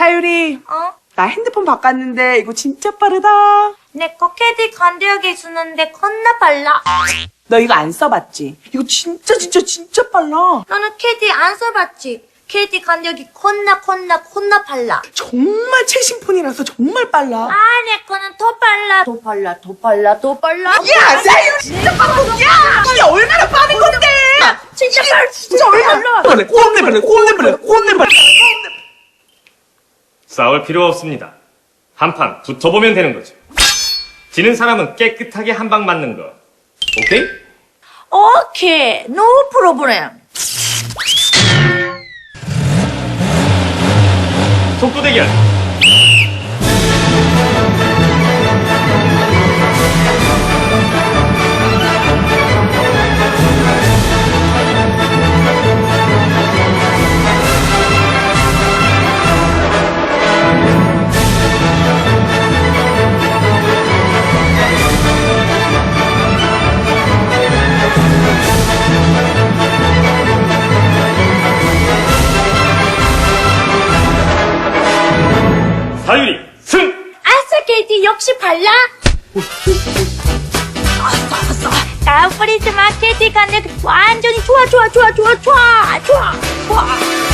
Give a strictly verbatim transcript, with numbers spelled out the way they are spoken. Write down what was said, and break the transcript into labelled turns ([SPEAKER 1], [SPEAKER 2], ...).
[SPEAKER 1] 사유리,
[SPEAKER 2] 어?
[SPEAKER 1] 나 핸드폰 바꿨는데 이거 진짜 빠르다.
[SPEAKER 2] 내 거 캐디 간대역에 주는데 겁나 빨라.
[SPEAKER 1] 너 이거 안 써봤지? 이거 진짜 진짜 진짜 빨라.
[SPEAKER 2] 너는 캐디 안 써봤지? 캐디 간대역이 겁나 겁나 겁나 빨라.
[SPEAKER 1] 정말 최신 폰이라서 정말 빨라.
[SPEAKER 2] 아, 내 거는 더 빨라. 더 빨라, 더 빨라, 더 빨라.
[SPEAKER 1] 야, 사유리 진짜 빠르다. 야, 이게 얼마나 빠른 건데?
[SPEAKER 2] 진짜 빨라,
[SPEAKER 1] 진짜 얼마나 빨라. 꼰대 빨라, 꼰대 빨라, 꼰대 빨라.
[SPEAKER 3] 싸울 필요 없습니다. 한 판 붙어보면 되는 거죠. 지는 사람은 깨끗하게 한 방 맞는 거. 오케이?
[SPEAKER 2] 오케이, no problem.
[SPEAKER 3] 속도 대결. 사유리 승!
[SPEAKER 2] 아싸, 캐디 역시 빨라. 아싸, 아싸. 다음 프리스마 캐디 간대역 완전히 좋아, 좋아, 좋아, 좋아, 좋아, 좋아, 좋아.